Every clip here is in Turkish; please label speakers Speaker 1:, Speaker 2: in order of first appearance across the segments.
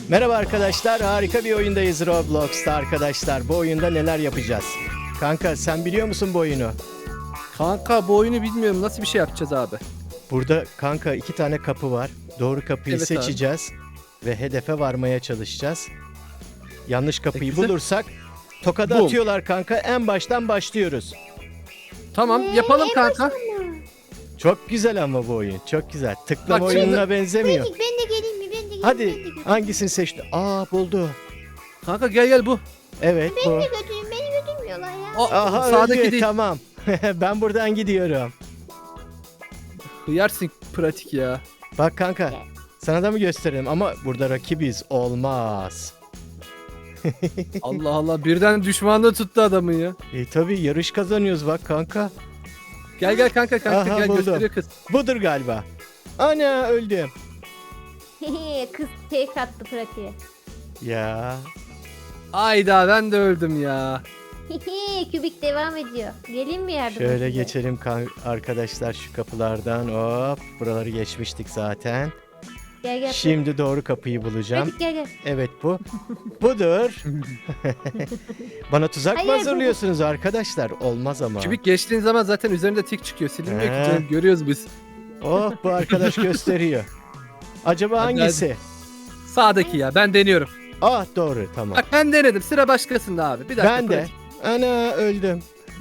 Speaker 1: Merhaba arkadaşlar, harika bir oyundayız Roblox'ta arkadaşlar. Bu oyunda neler yapacağız? Kanka sen biliyor musun bu oyunu?
Speaker 2: Kanka bu oyunu bilmiyorum. Nasıl bir şey yapacağız abi?
Speaker 1: Burada kanka 2 tane kapı var. Doğru kapıyı
Speaker 2: Evet abi.
Speaker 1: seçeceğiz ve hedefe varmaya çalışacağız. Yanlış kapıyı
Speaker 2: Güzel.
Speaker 1: bulursak tokada
Speaker 2: Bum.
Speaker 1: atıyorlar kanka. En baştan başlıyoruz.
Speaker 2: Tamam yapalım
Speaker 3: en
Speaker 2: kanka.
Speaker 3: başında.
Speaker 1: Çok güzel ama bu oyun. Çok güzel. Tıklama
Speaker 2: Bak şimdi-
Speaker 1: oyununa benzemiyor.
Speaker 3: Pratik ben de geleyim mi? Ben de geleyim.
Speaker 1: Hadi
Speaker 3: Ben de götüreyim.
Speaker 1: hangisini seçti? Aa buldu.
Speaker 2: Kanka gel bu.
Speaker 1: Evet bu.
Speaker 3: Beni de götürün. Beni götürmüyorlar ya.
Speaker 2: O,
Speaker 1: Aha
Speaker 2: sağdaki
Speaker 1: öldü.
Speaker 2: değil.
Speaker 1: Tamam. Ben buradan gidiyorum.
Speaker 2: Hıyarsın pratik ya.
Speaker 1: Bak kanka. Sana da mı gösterelim ama burada rakibiz. Olmaz.
Speaker 2: Allah Allah birden düşmanlığı tuttu adamın ya.
Speaker 1: Tabii yarış kazanıyoruz bak kanka.
Speaker 2: Gel kanka
Speaker 1: Aha,
Speaker 2: gel
Speaker 1: buldum.
Speaker 2: gösteriyor kız.
Speaker 1: Budur galiba. Ana öldüm.
Speaker 3: Kız tek attı pratiğe.
Speaker 1: Ya.
Speaker 2: Ayda ben de öldüm ya.
Speaker 3: Kübik devam ediyor. Gelin mi yardım
Speaker 1: Şöyle
Speaker 3: size?
Speaker 1: geçelim arkadaşlar şu kapılardan. Hop. Buraları geçmiştik zaten.
Speaker 3: Gel gel.
Speaker 1: Şimdi doğru kapıyı bulacağım.
Speaker 3: Pratik gel gel.
Speaker 1: Evet bu. Budur. Bana tuzak mı
Speaker 3: Hayır, bu-
Speaker 1: hazırlıyorsunuz arkadaşlar? Olmaz ama.
Speaker 2: Kübik geçtiğin zaman zaten üzerinde tik çıkıyor. Silinmiyor ki
Speaker 1: He.
Speaker 2: canım, görüyoruz biz.
Speaker 1: Oh bu arkadaş gösteriyor. Acaba
Speaker 2: Hadi,
Speaker 1: hangisi?
Speaker 2: Sağdaki ya ben deniyorum.
Speaker 1: Ah doğru tamam.
Speaker 2: Bak ben denedim sıra başkasında abi. Bir dakika.
Speaker 1: Ben de.
Speaker 2: pratik.
Speaker 1: Ana öldüm.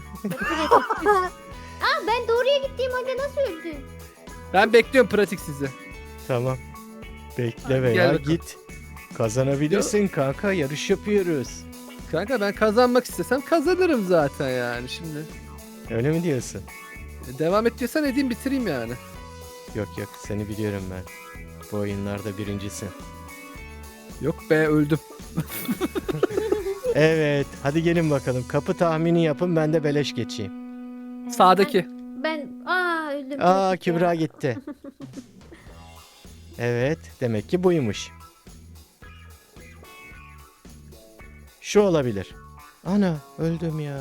Speaker 3: Aa ben doğruya gittiğim halde nasıl öldüm?
Speaker 2: Ben bekliyorum pratik sizi.
Speaker 1: Tamam. Bekle
Speaker 2: Hadi
Speaker 1: veya
Speaker 2: gel bakalım.
Speaker 1: git. Kazanabilirsin kanka. Yarış yapıyoruz.
Speaker 2: Kanka ben kazanmak istesem kazanırım zaten yani şimdi.
Speaker 1: Öyle mi diyorsun?
Speaker 2: Devam et diyorsan edeyim bitireyim yani.
Speaker 1: Yok yok seni biliyorum ben. Bu oyunlarda birincisin.
Speaker 2: Yok be öldüm.
Speaker 1: Evet hadi gelin bakalım. Kapı tahmini yapın ben de beleş geçeyim.
Speaker 2: Sağdaki.
Speaker 3: Ben öldüm.
Speaker 1: Aa
Speaker 3: pratik ya.
Speaker 1: Kübra gitti. Evet demek ki buymuş. Şu olabilir. Ana öldüm ya.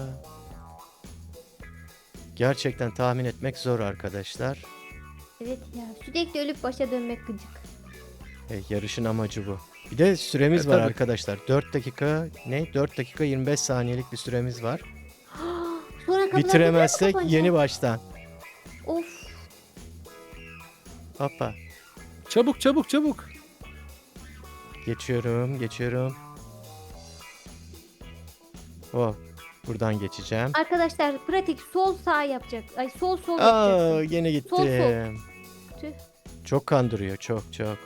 Speaker 1: Gerçekten tahmin etmek zor arkadaşlar.
Speaker 3: Evet ya sürekli ölüp başa dönmek gıcık.
Speaker 1: Yarışın amacı bu. Bir de süremiz var
Speaker 2: tabii.
Speaker 1: arkadaşlar. 4 dakika ne? 4 dakika 25 saniyelik bir süremiz var.
Speaker 3: Sonra kapılar
Speaker 1: Bitiremezsek
Speaker 3: tekrar mı
Speaker 1: yeni
Speaker 3: kapanacak?
Speaker 1: baştan.
Speaker 3: Of.
Speaker 1: Hoppa.
Speaker 2: Çabuk.
Speaker 1: Geçiyorum. Oh, buradan geçeceğim.
Speaker 3: Arkadaşlar pratik sol sağ yapacak. Ay sol sol
Speaker 1: Aa,
Speaker 3: yapacaksın.
Speaker 1: yine gittim.
Speaker 3: Sol, Tüh.
Speaker 1: Çok kandırıyor, çok.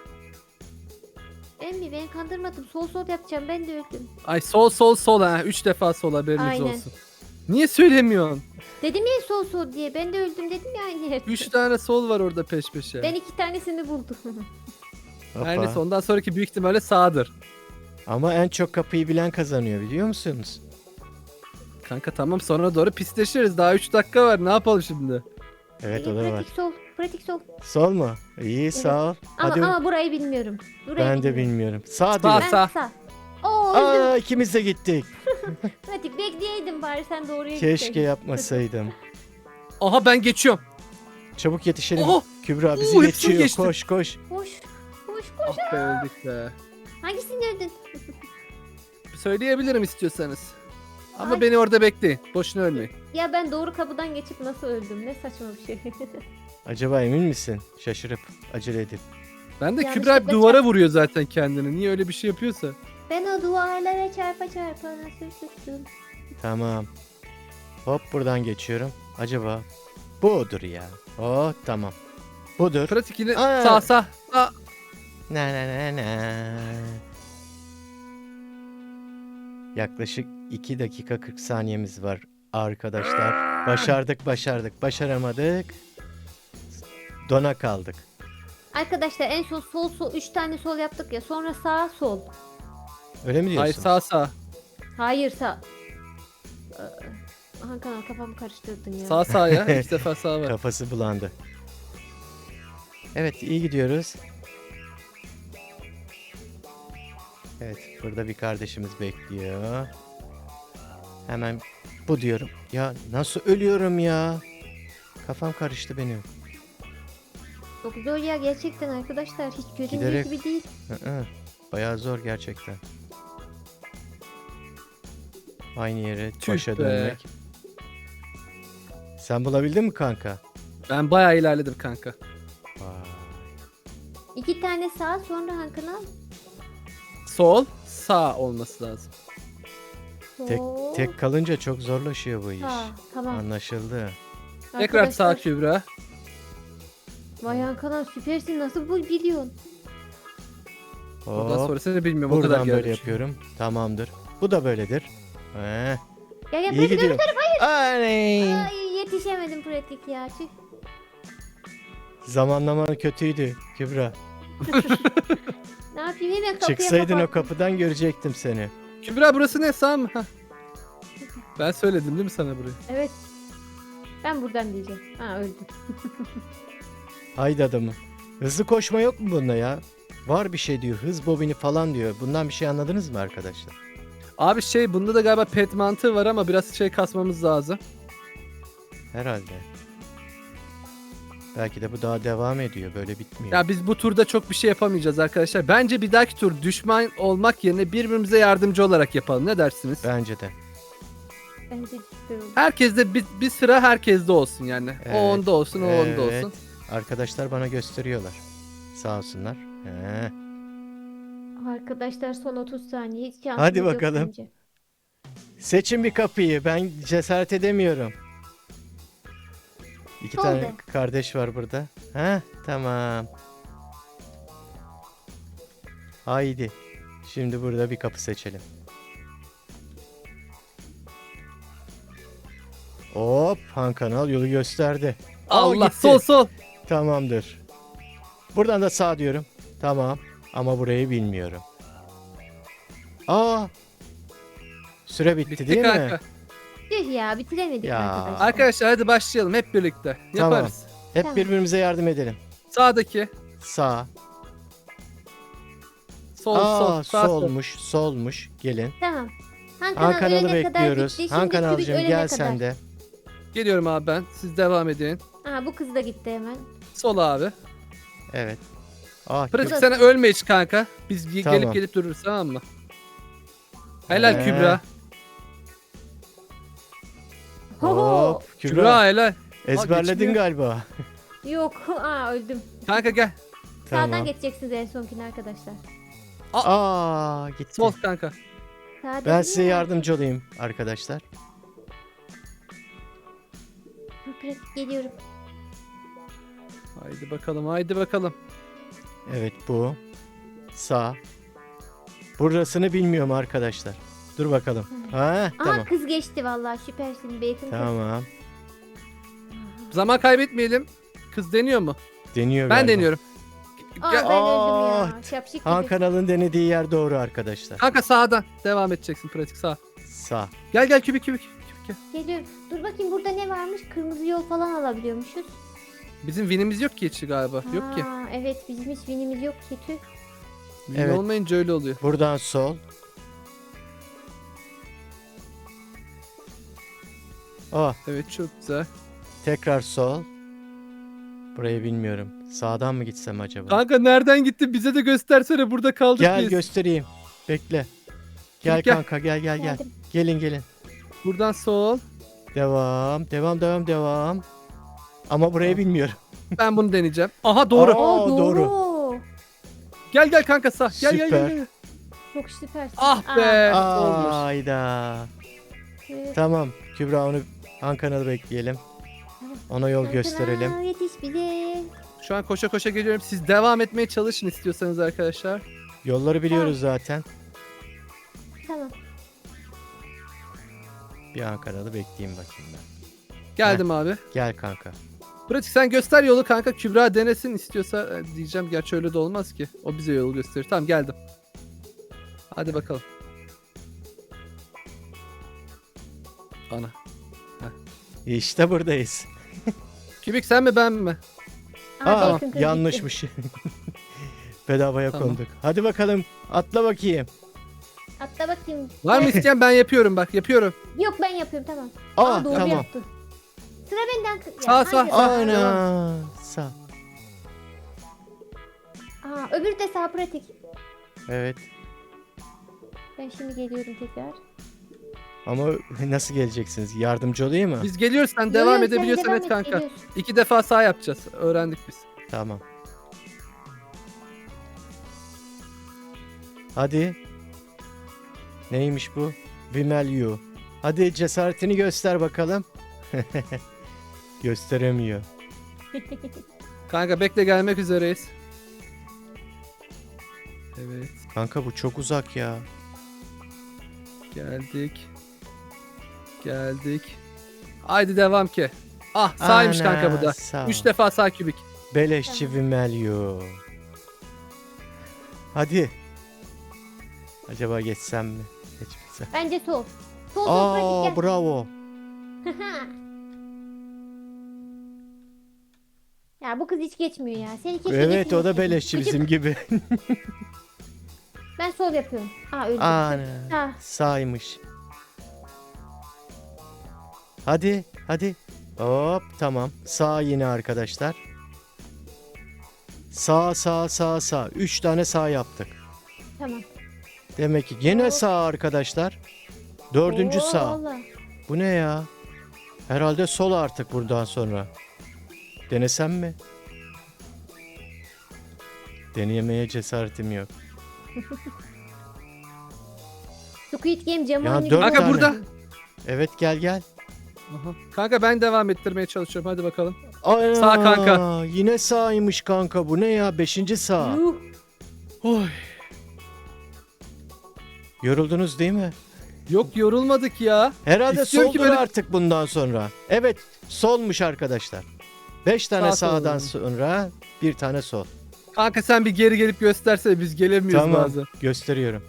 Speaker 3: Emmi beni kandırmadım. Sol sol yapacağım. Ben de öldüm.
Speaker 2: Ay sol ha. 3 defa sol haberiniz
Speaker 3: Aynen.
Speaker 2: olsun. Niye söylemiyorsun?
Speaker 3: Dedim ya sol sol diye. Ben de öldüm dedim ya aynı yerde.
Speaker 2: 3 tane sol var orada peş peşe.
Speaker 3: Ben 2 tanesini buldum.
Speaker 1: Hoppa.
Speaker 2: Her neyse ondan sonraki büyük ihtimalle sağdır.
Speaker 1: Ama en çok kapıyı bilen kazanıyor biliyor musunuz?
Speaker 2: Kanka tamam sonra doğru pisleşiriz. Daha 3 dakika var. Ne yapalım şimdi?
Speaker 1: Evet o da var.
Speaker 3: pratik sol. Pratik sol.
Speaker 1: Sol mu? İyi sağ ol.
Speaker 3: Ama,
Speaker 1: Hadi
Speaker 3: ama burayı bilmiyorum. Burayı
Speaker 1: ben de bilmiyorum. Sağ
Speaker 2: Sağ.
Speaker 1: diyor.
Speaker 3: Ben sağ. Oo öldüm.
Speaker 1: Aa ikimiz de gittik.
Speaker 3: Pratik bekleyeydim bari sen doğruya
Speaker 1: Keşke
Speaker 3: gitseydin.
Speaker 1: yapmasaydım.
Speaker 2: Aha ben geçiyorum.
Speaker 1: Çabuk yetişelim.
Speaker 2: Oho!
Speaker 1: Kübra bizi
Speaker 2: Oo, hepsini
Speaker 1: geçiyor.
Speaker 2: geçtim.
Speaker 1: Koş.
Speaker 3: Koş. Koş.
Speaker 2: Ah be öldük be.
Speaker 3: Hangisini öldün?
Speaker 2: Söyleyebilirim istiyorsanız. Ama
Speaker 3: Ay.
Speaker 2: beni orada bekleyin. Boşuna ölmeyin.
Speaker 3: Ya ben doğru kapıdan geçip nasıl öldüm? Ne saçma bir şey.
Speaker 1: Acaba emin misin? Şaşırıp acele edip.
Speaker 2: Ben de
Speaker 3: Yanlışlıkla
Speaker 2: Kübra duvara vuruyor zaten kendini. Niye öyle bir şey yapıyorsa?
Speaker 3: Ben o duvarlara çarpa nasıl sıçtım?
Speaker 1: Tamam. Hop buradan geçiyorum. Acaba budur ya. Oh tamam. Budur.
Speaker 2: Pratik yine
Speaker 1: Aa.
Speaker 2: sağ. Aa,
Speaker 1: Na. Yaklaşık 2 dakika 40 saniyemiz var arkadaşlar. Başardık. Başaramadık. Dona kaldık.
Speaker 3: Arkadaşlar en son sol sol 3 tane sol yaptık ya. Sonra sağ sol.
Speaker 1: Öyle mi
Speaker 2: hayır
Speaker 1: diyorsun?
Speaker 2: sağ.
Speaker 3: Hayır sağ. Hakan kafamı karıştırdın ya.
Speaker 2: Sağ ya. 2 defa sağ var.
Speaker 1: Kafası bulandı. Evet iyi gidiyoruz. Evet burada bir kardeşimiz bekliyor. Hemen bu diyorum. Ya nasıl ölüyorum ya? Kafam karıştı benim.
Speaker 3: Çok zor ya gerçekten arkadaşlar. Hiç göründüğü
Speaker 1: Giderek-
Speaker 3: gibi değil.
Speaker 1: Hı-hı. Bayağı zor gerçekten. Aynı yere
Speaker 2: Tüh
Speaker 1: başa
Speaker 2: be.
Speaker 1: dönmek. Sen bulabildin mi kanka?
Speaker 2: Ben bayağı ilerledim kanka.
Speaker 1: Vay.
Speaker 3: 2 tane sağ sonra Hakan al.
Speaker 2: Sol, sağ olması lazım.
Speaker 3: Sol.
Speaker 1: Tek kalınca çok zorlaşıyor bu iş.
Speaker 3: Ha, tamam.
Speaker 1: Anlaşıldı.
Speaker 2: Tekrar sağ
Speaker 3: Arkadaşlar,
Speaker 2: Kübra.
Speaker 3: Vay Hakan abi süpersin. Nasıl bu biliyorsun?
Speaker 2: Ondan
Speaker 1: Hop.
Speaker 2: sonrasını bilmiyorum. O kadar
Speaker 1: Buradan böyle
Speaker 2: geldim.
Speaker 1: yapıyorum. Tamamdır. Bu da böyledir.
Speaker 3: Gel gel
Speaker 1: İyi
Speaker 3: pratik
Speaker 1: gidiyor. Ay.
Speaker 3: Ay yetişemedim pratik ya. Tüh.
Speaker 1: Zamanlaman kötüydü Kübra.
Speaker 3: Ne yapayım hemen kapıya
Speaker 1: Çıksaydın o
Speaker 3: kapattım.
Speaker 1: kapıdan görecektim seni.
Speaker 2: Kübra burası ne, sağ mı? Hah. Ben söyledim değil mi sana burayı?
Speaker 3: Evet. Ben buradan diyeceğim. Ha öldüm.
Speaker 1: Haydi adamı. Hızlı koşma yok mu bunda ya? Var bir şey diyor. Hız bobini falan diyor. Bundan bir şey anladınız mı arkadaşlar?
Speaker 2: Abi bunda da galiba pet mantığı var ama biraz kasmamız lazım.
Speaker 1: Herhalde. Belki de bu daha devam ediyor. Böyle bitmiyor.
Speaker 2: Ya biz bu turda çok bir şey yapamayacağız arkadaşlar. Bence bir dahaki tur düşman olmak yerine birbirimize yardımcı olarak yapalım. Ne dersiniz?
Speaker 1: Bence de.
Speaker 3: Bence süper oldu.
Speaker 2: Herkes de bir sıra herkeste olsun yani.
Speaker 1: Evet,
Speaker 2: O onda olsun, o onda
Speaker 1: evet.
Speaker 2: olsun.
Speaker 1: Arkadaşlar bana gösteriyorlar. Sağ olsunlar.
Speaker 3: Arkadaşlar son 30 saniye. Hiç şansımız
Speaker 1: Hadi
Speaker 3: yok
Speaker 1: bakalım.
Speaker 3: bence.
Speaker 1: Seçin bir kapıyı. Ben cesaret edemiyorum. İki
Speaker 3: Sol
Speaker 1: tane
Speaker 3: de.
Speaker 1: kardeş var burada. Ha, tamam. Haydi. Şimdi burada bir kapı seçelim. Hop, Han Kanal yolu gösterdi. Aa,
Speaker 2: Allah,
Speaker 1: gitti.
Speaker 2: sol.
Speaker 1: Tamamdır. Buradan da sağ diyorum. Tamam. Ama burayı bilmiyorum. Aa. Süre bitti,
Speaker 2: Bitti
Speaker 1: değil
Speaker 2: kanka.
Speaker 1: mi?
Speaker 3: Tüh ya bitiremedik
Speaker 1: Ya.
Speaker 3: arkadaşlar.
Speaker 2: Arkadaşlar hadi başlayalım hep birlikte.
Speaker 1: Tamam.
Speaker 2: Yaparız.
Speaker 1: Hep
Speaker 3: Tamam.
Speaker 1: birbirimize yardım edelim.
Speaker 2: Sağdaki.
Speaker 1: Sağ.
Speaker 2: Sol,
Speaker 1: Aa,
Speaker 2: sağ, sol.
Speaker 1: solmuş. Gelin.
Speaker 3: Tamam. Han
Speaker 1: Han
Speaker 3: Kanal
Speaker 1: Kanal'ı
Speaker 3: ölene kadar
Speaker 1: bekliyoruz.
Speaker 3: bitti.
Speaker 1: Han
Speaker 3: Şimdi Kübik
Speaker 1: Kanal'cığım
Speaker 3: ölene
Speaker 1: gel
Speaker 3: kadar.
Speaker 1: sen de.
Speaker 2: Geliyorum abi ben. Siz devam edin.
Speaker 3: Aha bu kız da gitti hemen.
Speaker 2: Sol abi.
Speaker 1: Evet. Ah,
Speaker 2: Pratik
Speaker 3: Kübra-
Speaker 2: sana ölme hiç kanka. Biz
Speaker 1: Tamam.
Speaker 2: gelip dururuz, tamam mı? Helal
Speaker 1: Ee,
Speaker 2: Kübra.
Speaker 3: Hoho.
Speaker 1: Hop,
Speaker 2: Kübra,
Speaker 1: Kübra.
Speaker 2: helal.
Speaker 1: Ezberledin
Speaker 2: geçmiyor.
Speaker 1: galiba.
Speaker 3: Yok. Aa öldüm.
Speaker 2: Kanka gel.
Speaker 3: Sağdan
Speaker 1: Tamam.
Speaker 3: geçeceksiniz en sonkine arkadaşlar.
Speaker 1: Aa, gitti.
Speaker 2: Sol kanka.
Speaker 3: Sağ
Speaker 1: Ben
Speaker 3: dedim
Speaker 1: size
Speaker 3: ya.
Speaker 1: yardımcı olayım arkadaşlar.
Speaker 3: Dur, pratik geliyorum.
Speaker 2: Haydi bakalım, haydi bakalım.
Speaker 1: Evet, bu. Sağ. Burasını bilmiyorum arkadaşlar. Dur bakalım. Ha,
Speaker 3: Aha
Speaker 1: tamam.
Speaker 3: kız geçti vallahi süpersin Bacon kız.
Speaker 1: Tamam.
Speaker 2: Zaman kaybetmeyelim. Kız deniyor mu?
Speaker 1: Deniyor
Speaker 2: Ben
Speaker 1: galiba.
Speaker 2: deniyorum.
Speaker 3: Aa
Speaker 2: Gel.
Speaker 3: ben öldüm
Speaker 1: Aa,
Speaker 3: ya. Şapşik
Speaker 1: Han
Speaker 3: gibi.
Speaker 1: Kanal'ın denediği yer doğru arkadaşlar.
Speaker 2: Kanka sağdan devam edeceksin, pratik sağ.
Speaker 1: Sağ.
Speaker 2: Gel kübik gel.
Speaker 3: Geliyorum. Dur bakayım burada ne varmış? Kırmızı yol falan alabiliyormuşuz.
Speaker 2: Bizim winimiz yok ki hiç galiba. Yok ki.
Speaker 3: Aa, evet bizim hiç winimiz yok ki tüh.
Speaker 2: Win
Speaker 1: Evet.
Speaker 2: olmayınca öyle oluyor.
Speaker 1: Buradan sol. Oh,
Speaker 2: Evet, çok güzel.
Speaker 1: tekrar sol. Burayı bilmiyorum. Sağdan mı gitsem acaba?
Speaker 2: Kanka nereden gitti? Bize de göstersene, burada kaldık
Speaker 1: Gel
Speaker 2: biz.
Speaker 1: göstereyim. Bekle. Gel
Speaker 2: Gel.
Speaker 1: kanka, gel.
Speaker 3: Geldim.
Speaker 1: Gelin.
Speaker 2: Buradan sol.
Speaker 1: Devam. Ama burayı bilmiyorum.
Speaker 2: Ben bunu deneyeceğim. Aha doğru.
Speaker 1: Aa,
Speaker 3: Aa,
Speaker 1: doğru.
Speaker 2: Gel kanka sağ. Gel.
Speaker 1: Süper.
Speaker 3: Çok süpersin.
Speaker 2: Ah be. Olmuş.
Speaker 1: Ayda.
Speaker 3: Evet.
Speaker 1: Tamam. Kübra, onu Han Kanal'ı bekleyelim. Ona yol
Speaker 3: Han
Speaker 1: gösterelim.
Speaker 3: Kanal, yetiş bize.
Speaker 2: Şu an koşa geliyorum. Siz devam etmeye çalışın istiyorsanız arkadaşlar.
Speaker 1: Yolları biliyoruz zaten.
Speaker 3: Tamam.
Speaker 1: Bir Han Kanal'ı bekleyeyim bakayım ben.
Speaker 2: Geldim abi.
Speaker 1: Gel kanka.
Speaker 2: Pratik sen göster yolu kanka. Kübra denesin istiyorsa diyeceğim. Gerçi öyle de olmaz ki. O bize yolu gösterir. Tamam geldim. Hadi bakalım. Ana.
Speaker 1: İşte buradayız.
Speaker 2: Kübik sen mi ben mi?
Speaker 3: Aa, Bacon kız
Speaker 1: Yanlışmış. Bedavaya
Speaker 2: Tamam.
Speaker 1: konduk. Hadi bakalım. Atla bakayım.
Speaker 3: gitti. Atla bakayım.
Speaker 2: Var mı isteyen, ben yapıyorum bak yapıyorum.
Speaker 3: Yok ben yapıyorum tamam.
Speaker 1: Aa,
Speaker 3: doğru
Speaker 1: tamam.
Speaker 3: yaptı. Sıra benden.
Speaker 2: Sağ.
Speaker 3: hangi
Speaker 1: Ana. Sağ.
Speaker 3: Aa, öbürü de sağ pratik.
Speaker 1: Evet.
Speaker 3: Ben şimdi geliyorum tekrar.
Speaker 1: Ama nasıl geleceksiniz? Yardımcı olayım mı?
Speaker 2: Biz geliyoruz, sen
Speaker 3: Yo,
Speaker 2: devam
Speaker 3: yo, sen
Speaker 2: edebiliyorsan
Speaker 3: devam
Speaker 2: et
Speaker 3: et,
Speaker 2: kanka.
Speaker 3: geliyoruz.
Speaker 2: 2 defa sağ yapacağız. Öğrendik biz.
Speaker 1: Tamam. Hadi. Neymiş bu? Vimelyu. Hadi cesaretini göster bakalım. Gösteremiyor.
Speaker 2: Kanka bekle, gelmek üzereyiz. Evet,
Speaker 1: Kanka bu çok uzak ya.
Speaker 2: geldik. Geldik. Haydi devam ki. Ah, sağymış
Speaker 1: Ana,
Speaker 2: kanka bu da.
Speaker 1: sağ.
Speaker 2: 3 defa sağ kübik.
Speaker 1: Beleşçi Vimelyu. Hadi. Acaba geçsem mi? Geçmesem.
Speaker 3: Bence sol. Sol sol pratik
Speaker 1: Aa
Speaker 3: gel.
Speaker 1: bravo.
Speaker 3: Ya bu kız hiç geçmiyor ya. Seni keşke
Speaker 1: Evet o da
Speaker 3: geçirmeseydim.
Speaker 1: beleşçi
Speaker 3: Gıcık.
Speaker 1: bizim gibi.
Speaker 3: Ben sol yapıyorum. Aa öldüm.
Speaker 1: Ana.
Speaker 3: Ha.
Speaker 1: Sağymış. Hadi hadi. Hop tamam. Sağ yine arkadaşlar. Sağ sağ sağ sağ. 3 tane sağ yaptık.
Speaker 3: Tamam.
Speaker 1: Demek ki yine
Speaker 3: Hop.
Speaker 1: sağ arkadaşlar. 4.
Speaker 3: Oo,
Speaker 1: sağ.
Speaker 3: vallahi.
Speaker 1: Bu ne ya? Herhalde sol artık buradan sonra. Denesem mi? Deneyemeye cesaretim yok.
Speaker 3: Squid Game camı
Speaker 1: Ya,
Speaker 3: önü
Speaker 1: 4
Speaker 2: Kanka
Speaker 1: tane.
Speaker 2: burada.
Speaker 1: Evet gel gel.
Speaker 2: Aha. Kanka ben devam ettirmeye çalışıyorum. Hadi bakalım.
Speaker 1: Ana,
Speaker 2: Sağ kanka.
Speaker 1: Yine sağymış kanka. Bu ne ya? 5. sağ.
Speaker 3: Yuh.
Speaker 2: Oy.
Speaker 1: Yoruldunuz değil mi?
Speaker 2: Yok, yorulmadık ya.
Speaker 1: Herhalde
Speaker 2: İstiyorum ki
Speaker 1: soldur
Speaker 2: böyle-
Speaker 1: artık bundan sonra. Evet solmuş arkadaşlar. 5 tane
Speaker 2: Sağ sol
Speaker 1: sağdan
Speaker 2: yani.
Speaker 1: sonra bir tane sol.
Speaker 2: Kanka sen bir geri gelip göstersene, biz gelemiyoruz
Speaker 1: Tamam
Speaker 2: bazen.
Speaker 1: gösteriyorum.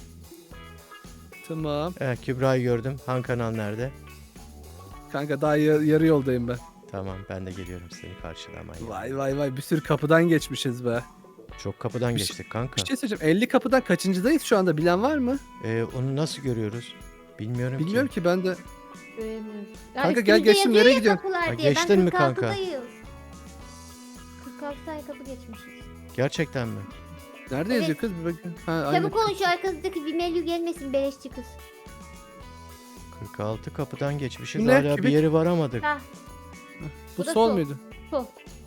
Speaker 2: Tamam.
Speaker 1: Evet, Kübra'yı gördüm. Han kanal nerede?
Speaker 2: Kanka daha yarı yoldayım ben.
Speaker 1: Tamam ben de geliyorum seni karşılamaya.
Speaker 2: Vay vay vay, bir sürü kapıdan geçmişiz be.
Speaker 1: Çok kapıdan
Speaker 2: Bir şey-
Speaker 1: geçtik kanka.
Speaker 2: Bir şey söyleyeceğim, 50 kapıdan kaçıncıdayız şu anda, bilen var mı?
Speaker 1: Onu nasıl görüyoruz? Bilmiyorum,
Speaker 2: Bilmiyorum ki ben de.
Speaker 3: Göremiyorum. Ya
Speaker 2: Kanka gel,
Speaker 3: üstümüzde
Speaker 2: geçtim,
Speaker 3: yazıyor
Speaker 2: nereye
Speaker 3: ya
Speaker 2: gidiyorsun?
Speaker 3: kapılar
Speaker 1: Ha,
Speaker 3: diye.
Speaker 1: geçtin
Speaker 3: Ben
Speaker 1: mi kanka?
Speaker 3: 46'dayız. 46 tane kapı geçmişiz.
Speaker 1: Gerçekten mi?
Speaker 2: Nerede
Speaker 3: Evet.
Speaker 2: yazıyor kız? Bir bakayım. Ha, aynen.
Speaker 3: Çabuk olun, şu arkanızdaki Vimelyu gelmesin beleşçi kız.
Speaker 1: 46 kapıdan geçmişiz.
Speaker 2: Bu ne?
Speaker 1: Hala bir
Speaker 2: Kübik?
Speaker 1: yeri varamadık.
Speaker 3: Ha
Speaker 2: Bu
Speaker 3: Bu da
Speaker 2: sol
Speaker 3: sol.
Speaker 2: muydu?
Speaker 3: sol.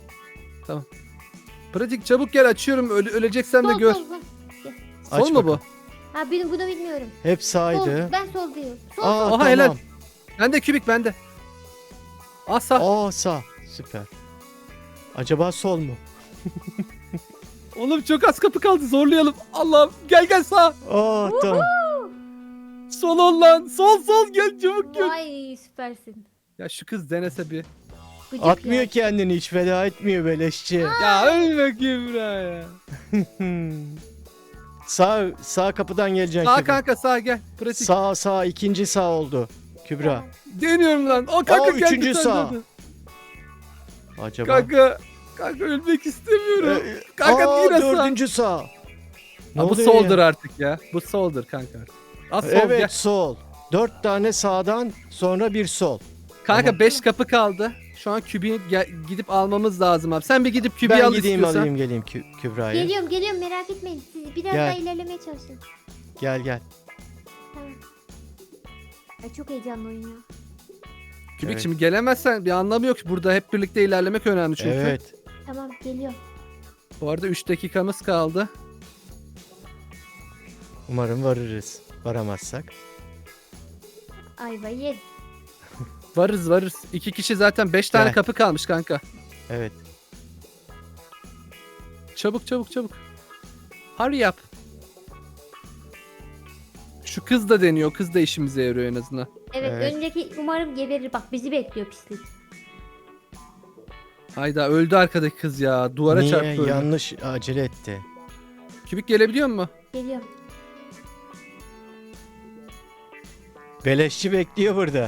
Speaker 2: Pratik çabuk gel, açıyorum. Öleceksem de
Speaker 3: Sol
Speaker 2: gör.
Speaker 3: sol sol.
Speaker 1: Aç
Speaker 2: Sol mu bu?
Speaker 1: bakalım.
Speaker 3: Ha bunu bilmiyorum.
Speaker 1: Hep
Speaker 3: Sol.
Speaker 1: sağydı.
Speaker 3: Ben sol diyorum. Sol.
Speaker 1: Aa
Speaker 2: Oha,
Speaker 1: tamam.
Speaker 2: helal. Bende kübik, bende. Asa.
Speaker 1: Aa sağ. Süper. Acaba sol mu?
Speaker 2: Oğlum çok az kapı kaldı, zorlayalım. Allah'ım, gel gel sağ.
Speaker 1: Aa tamam.
Speaker 2: Sol ol lan. Sol sol, gel çabuk gel.
Speaker 3: Vay süpersin.
Speaker 2: Ya şu kız denese bir.
Speaker 3: Gıcık
Speaker 1: Atmıyor
Speaker 3: ya.
Speaker 1: kendini, hiç feda etmiyor beleşçi.
Speaker 2: Ya ölme Kübra ya.
Speaker 1: Sağ kapıdan geleceksin
Speaker 2: Sağ
Speaker 1: Kübra.
Speaker 2: kanka, sağ gel. Pratik.
Speaker 1: Sağ ikinci sağ oldu. Kübra.
Speaker 2: Deniyorum lan. O kanka
Speaker 1: Aa,
Speaker 2: geldi
Speaker 1: üçüncü
Speaker 2: senden
Speaker 1: sağ.
Speaker 2: de.
Speaker 1: Acaba.
Speaker 2: Kanka ölmek istemiyorum. Kanka
Speaker 1: Aa,
Speaker 2: yine sağ.
Speaker 1: dördüncü sağ. Ne
Speaker 2: Ha, bu
Speaker 1: oluyor
Speaker 2: soldur
Speaker 1: ya?
Speaker 2: artık ya. Bu soldur kanka. Az sol
Speaker 1: Evet
Speaker 2: gel.
Speaker 1: sol. 4 tane sağdan sonra bir sol.
Speaker 2: Kanka
Speaker 1: Tamam.
Speaker 2: 5 kapı kaldı. Şu an kübiği gidip almamız lazım abi. Sen bir gidip kübiği
Speaker 1: Ben
Speaker 2: al
Speaker 1: gideyim
Speaker 2: istiyorsan.
Speaker 1: alayım geleyim Kübra'yı.
Speaker 3: Geliyorum merak etmeyin. Siz biraz
Speaker 1: Gel.
Speaker 3: daha ilerlemeye çalışın.
Speaker 1: Gel.
Speaker 3: Tamam. Ay çok heyecanlı oyun ya.
Speaker 2: Kübik
Speaker 1: Evet.
Speaker 2: şimdi gelemezsen bir anlamı yok. Burada hep birlikte ilerlemek önemli çünkü.
Speaker 1: Evet.
Speaker 3: Tamam geliyorum.
Speaker 2: Bu arada 3 dakikamız kaldı.
Speaker 1: Umarım varırız. Varamazsak.
Speaker 3: Ayva ye.
Speaker 2: Varız. 2 kişi zaten 5 tane
Speaker 1: Gel.
Speaker 2: kapı kalmış kanka.
Speaker 1: Evet.
Speaker 2: Çabuk. Hurry up. Şu kız da deniyor. Kız da işimize yarıyor en azından.
Speaker 3: Evet,
Speaker 1: Evet.
Speaker 3: öndeki umarım geberir. Bak bizi bekliyor pislik.
Speaker 2: Hayda, öldü arkadaki kız ya. Duvara
Speaker 1: Niye?
Speaker 2: çarptı öldü.
Speaker 1: Yanlış acele etti.
Speaker 2: Kübik gelebiliyor mu?
Speaker 3: Geliyorum.
Speaker 1: Beleşçi bekliyor burada.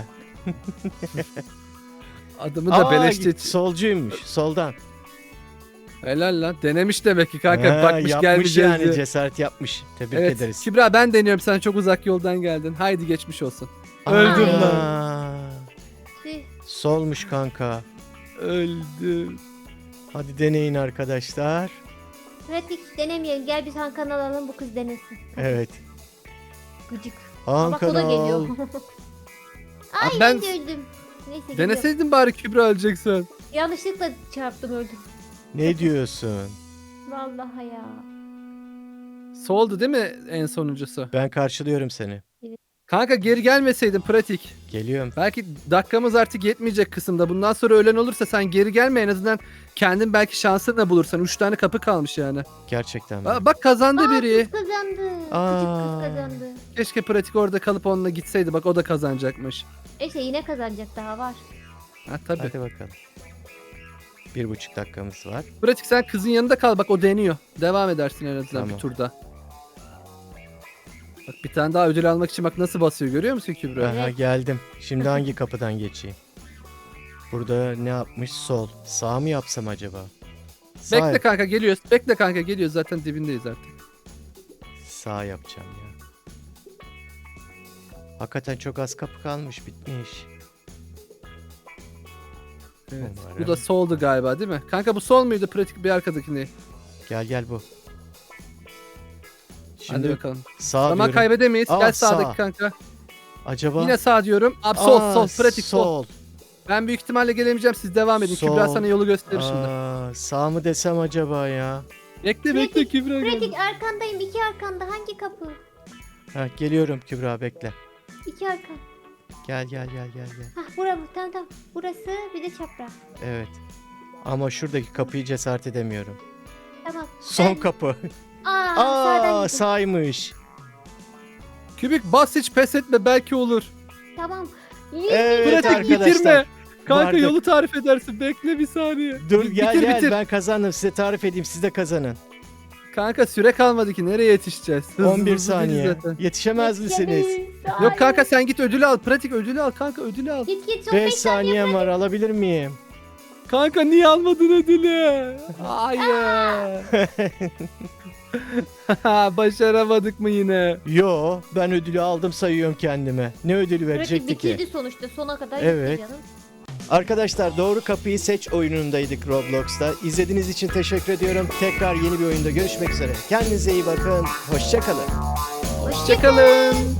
Speaker 2: Adımı da
Speaker 1: Aa,
Speaker 2: beleşçi.
Speaker 1: solcuymuş. Soldan.
Speaker 2: Helal lan. Denemiş demek ki kanka.
Speaker 1: Ha,
Speaker 2: Bakmış
Speaker 1: yapmış
Speaker 2: gelmeyeceğiz
Speaker 1: yani
Speaker 2: diye.
Speaker 1: cesaret yapmış. Tebrik
Speaker 2: Evet.
Speaker 1: ederiz.
Speaker 2: Kübra ben deniyorum. Sen çok uzak yoldan geldin. Haydi geçmiş olsun. Öldüm
Speaker 3: Ay.
Speaker 2: lan.
Speaker 3: Tüh.
Speaker 1: Solmuş kanka.
Speaker 2: Öldüm.
Speaker 1: Hadi deneyin arkadaşlar.
Speaker 3: Pratik denemeyelim. Gel biz Hakan alalım, bu kız denesin.
Speaker 1: Evet.
Speaker 3: Gıcık. Aa, bak
Speaker 1: Hakan
Speaker 3: o da geliyor.
Speaker 1: al.
Speaker 3: Ay
Speaker 2: Abi
Speaker 3: ben
Speaker 2: ben-
Speaker 3: de öldüm. Neyse gidiyorum.
Speaker 2: Deneseydin bari Kübra öleceksin.
Speaker 3: Yanlışlıkla çarptım, öldüm.
Speaker 1: Ne diyorsun?
Speaker 3: Vallahi ya.
Speaker 2: Soldu değil mi en sonuncusu?
Speaker 1: Ben karşılıyorum seni.
Speaker 2: Kanka geri gelmeseydin pratik.
Speaker 1: Geliyorum.
Speaker 2: Belki dakikamız artık yetmeyecek kısımda. Bundan sonra ölen olursa sen geri gelme, en azından kendin belki şansını da bulursan. 3 tane kapı kalmış yani.
Speaker 1: Gerçekten mi?
Speaker 2: Bak kazandı
Speaker 3: Aa,
Speaker 2: biri.
Speaker 3: kız kazandı.
Speaker 1: Aa.
Speaker 3: Küçük kız kazandı.
Speaker 2: Keşke pratik orada kalıp onunla gitseydi. Bak o da kazanacakmış.
Speaker 3: İşte yine kazanacak, daha var.
Speaker 2: Ha tabii.
Speaker 1: Hadi bakalım. 1,5 dakikamız var.
Speaker 2: Pratik sen kızın yanında kal, bak o deniyor. Devam edersin en azından
Speaker 1: Tamam.
Speaker 2: bir turda. Bak bir tane daha ödül almak için bak nasıl basıyor, görüyor musun Kübra?
Speaker 1: Aha geldim. Şimdi hangi kapıdan geçeyim? Burada ne yapmış? Sol. Sağ mı yapsam acaba? Sağ,
Speaker 2: Bekle kanka geliyoruz. Bekle kanka geliyoruz, zaten dibindeyiz artık.
Speaker 1: sağ yapacağım ya. Hakikaten çok az kapı kalmış, bitmiş.
Speaker 2: Evet.
Speaker 1: Umarım.
Speaker 2: Bu da soldu galiba değil mi? Kanka bu sol muydu pratik, bir arkadakini?
Speaker 1: Gel bu.
Speaker 2: Hadi
Speaker 1: Şimdi
Speaker 2: bakalım.
Speaker 1: sağ
Speaker 2: Zaman
Speaker 1: diyorum.
Speaker 2: kaybedemeyiz.
Speaker 1: Aa,
Speaker 2: Gel sağdaki
Speaker 1: sağ.
Speaker 2: kanka.
Speaker 1: Acaba?
Speaker 2: Yine sağ diyorum. Abi sol
Speaker 1: Aa,
Speaker 2: sol pratik sol.
Speaker 1: sol.
Speaker 2: Ben büyük ihtimalle gelemeyeceğim, siz devam edin.
Speaker 1: Sol.
Speaker 2: Kübra sana yolu gösterir şimdi.
Speaker 1: Aa, sağ mı desem acaba ya?
Speaker 2: Bekle bekle Kübra
Speaker 3: Pratik
Speaker 2: geldi.
Speaker 3: arkandayım, iki arkanda. Hangi kapı?
Speaker 1: Ha, geliyorum Kübra, bekle.
Speaker 3: İki arka.
Speaker 1: Gel.
Speaker 3: Hah bura mı? Tamam tamam. Burası bir de çapraz.
Speaker 1: Evet. Ama şuradaki kapıyı cesaret edemiyorum.
Speaker 3: Tamam.
Speaker 1: Son
Speaker 3: Ben-
Speaker 1: kapı.
Speaker 3: Aa, sağdan
Speaker 1: Aa,
Speaker 3: gittim.
Speaker 1: saymış.
Speaker 2: Kübik bas, hiç pes etme, belki olur.
Speaker 3: Tamam.
Speaker 1: Evet
Speaker 2: Pratik
Speaker 1: arkadaşlar.
Speaker 2: bitirme. Kanka
Speaker 1: vardık.
Speaker 2: yolu tarif edersin. Bekle bir saniye.
Speaker 1: Dur
Speaker 2: Bitir,
Speaker 1: gel
Speaker 2: bitir.
Speaker 1: ben kazandım, size tarif edeyim, siz de kazanın.
Speaker 2: Kanka süre kalmadı ki, nereye yetişeceğiz? Hızlı
Speaker 1: 11
Speaker 2: hızlı
Speaker 1: saniye.
Speaker 2: değil zaten.
Speaker 1: Yetişemez misiniz?
Speaker 2: Yok kanka sen git ödülü al. Pratik ödülü al kanka, ödülü al.
Speaker 3: Git son
Speaker 1: 5
Speaker 3: 5 saniye.
Speaker 1: saniyem var, alabilir miyim?
Speaker 2: Kanka niye almadın ödülü? Hayır. Başaramadık mı yine?
Speaker 1: Yo, ben ödülü aldım sayıyorum kendime. Ne ödülü
Speaker 3: Pratik
Speaker 1: verecekti ki?
Speaker 3: bitirdi sonuçta, sona kadar
Speaker 1: Evet.
Speaker 3: gitti canım.
Speaker 1: Arkadaşlar, Doğru Kapıyı Seç oyunundaydık Roblox'ta. İzlediğiniz için teşekkür ediyorum. Tekrar yeni bir oyunda görüşmek üzere. Kendinize iyi bakın. Hoşça kalın.
Speaker 2: Hoşçakalın.